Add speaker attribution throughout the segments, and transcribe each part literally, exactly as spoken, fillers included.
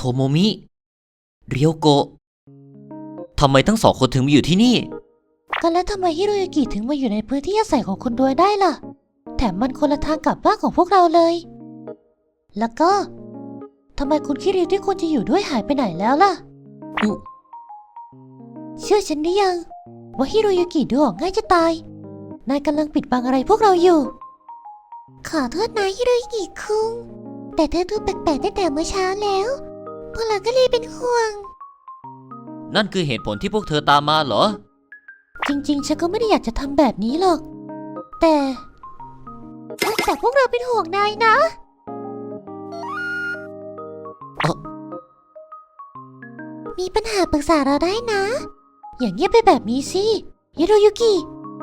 Speaker 1: โมมิ เรียวโกะทำไมทั้งสองคนถึงมาอยู่ที่นี่
Speaker 2: ก็แล้วทำไมฮิโรยุกิถึงมาอยู่ในพื้นที่อาศัยของคุณด้วยได้ล่ะแถมมันคนละทางกับบ้านของพวกเราเลยแล้วก็ทำไมคุณคิริวที่ควรจะอยู่ด้วยหายไปไหนแล้วล่ะเชื่อฉันได้ยังว่าฮิโรยุกิดูออกง่ายจะตายนายกำลังปิดบังอะไรพวกเราอยู่ขอโทษนะฮิโรยุกิคุงแต่เธอดูแปลกๆตั้งแต่เมื่อเช้าแล้วพวกเราก็เลยเป็นห่วง
Speaker 1: นั่นคือเหตุผลที่พวกเธอตามมาเหรอ
Speaker 2: จริงๆฉันก็ไม่ได้อยากจะทำแบบนี้หรอกแต่แต่พวกเราเป็นห่วงนายนะมีปัญหาปรึกษาเราได้นะอย่างเงียบไปแบบนี้สิฮิโรยุกิ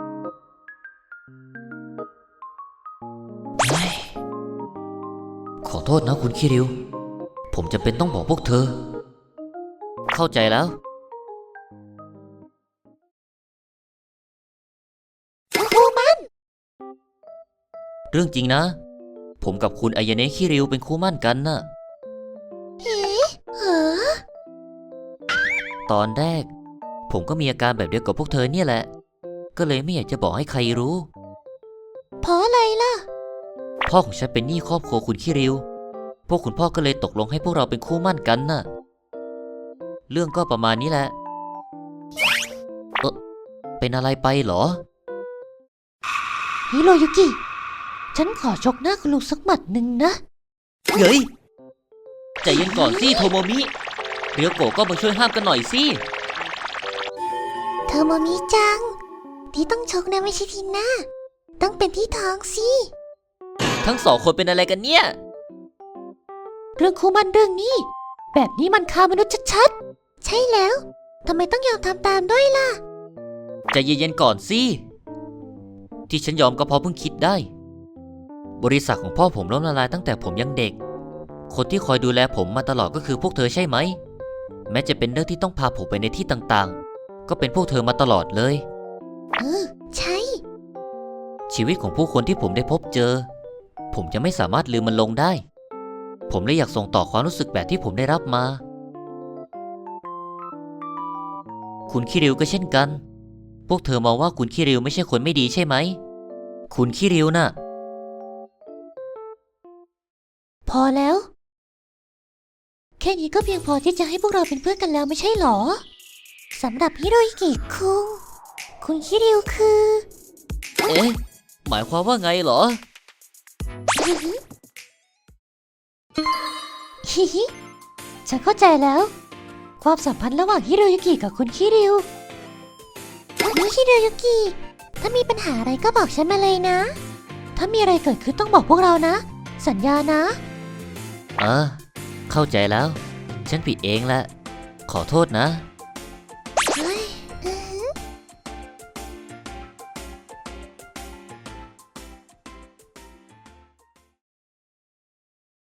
Speaker 1: ขอโทษนะคุณคิริวผมจำเป็นต้องบอกพวกเธอเข้าใจแล้ว
Speaker 2: คูมัน
Speaker 1: เรื่องจริงนะผมกับคุณอายาเนะคิริวเป็นคู่มั่นกันน่ะ
Speaker 2: เฮ้เหรอ
Speaker 1: ตอนแรกผมก็มีอาการแบบเดียวกับพวกเธอเนี่ยแหละก็เลยไม่อยากจะบอกให้ใครรู้
Speaker 2: เพราะอะไรล่ะ
Speaker 1: พ่อของฉันเป็นหนี้ครอบครัวคุณคิริวพวกคุณพ่อก็เลยตกลงให้พวกเราเป็นคู่มั่นกันน่ะเรื่องก็ประมาณนี้แหละเออเป็นอะไรไปเหรอ
Speaker 2: ฮิโรยุกิฉันขอชกหน้าคุณลุงสักหมัดหนึ่งนะ
Speaker 1: เฮ้ยใจเย็นก่อนสิโทโมมิเรียวโกะก็มาช่วยห้ามกันหน่อยสิ
Speaker 2: โทโมมิจังที่ต้องชกนะไม่ใช่ที่หน้าต้องเป็นที่ท้องสิ
Speaker 1: ทั้งสองคนเป็นอะไรกันเนี่ย
Speaker 2: เรื่องคู่มันเรื่องนี้แบบนี้มันฆ่ามนุษย์ชัดๆใช่แล้วทำไมต้องยอมทำตามด้วยล่ะ
Speaker 1: ใจเย็นๆก่อนสิที่ฉันยอมก็เพราะเพิ่งคิดได้บริษัทของพ่อผมล้มละลายตั้งแต่ผมยังเด็กคนที่คอยดูแลผมมาตลอดก็คือพวกเธอใช่ไหมแม้จะเป็นเรื่องที่ต้องพาผมไปในที่ต่างๆก็เป็นพวกเธอมาตลอดเลย
Speaker 2: เออใช่
Speaker 1: ชีวิตของผู้คนที่ผมได้พบเจอผมจะไม่สามารถลืมมันลงได้ผมเลยอยากส่งต่อความรู้สึกแบบที่ผมได้รับมาคุณคิริวก็เช่นกันพวกเธอมองว่าคุณคิริวไม่ใช่คนไม่ดีใช่ไหมคุณคิริวน่ะ
Speaker 2: พอแล้วแค่นี้ก็เพียงพอที่จะให้พวกเราเป็นเพื่อนกันแล้วไม่ใช่หรอสำหรับฮิโรยุกิคุงคุณคิริวคือ
Speaker 1: เอ๊ะหมายความว่าไงเหรอ
Speaker 2: ฮิฮิฉันเข้าใจแล้วความสัมพันธ์ระหว่างฮิโรยุกิกับคุณคิริวนี่ฮิโรยุกิถ้ามีปัญหาอะไรก็บอกฉันมาเลยนะถ้ามีอะไรเกิดขึ้นต้องบอกพวกเรานะสัญญานะ
Speaker 1: เออเข้าใจแล้วฉันผิดเองแหละขอโทษนะ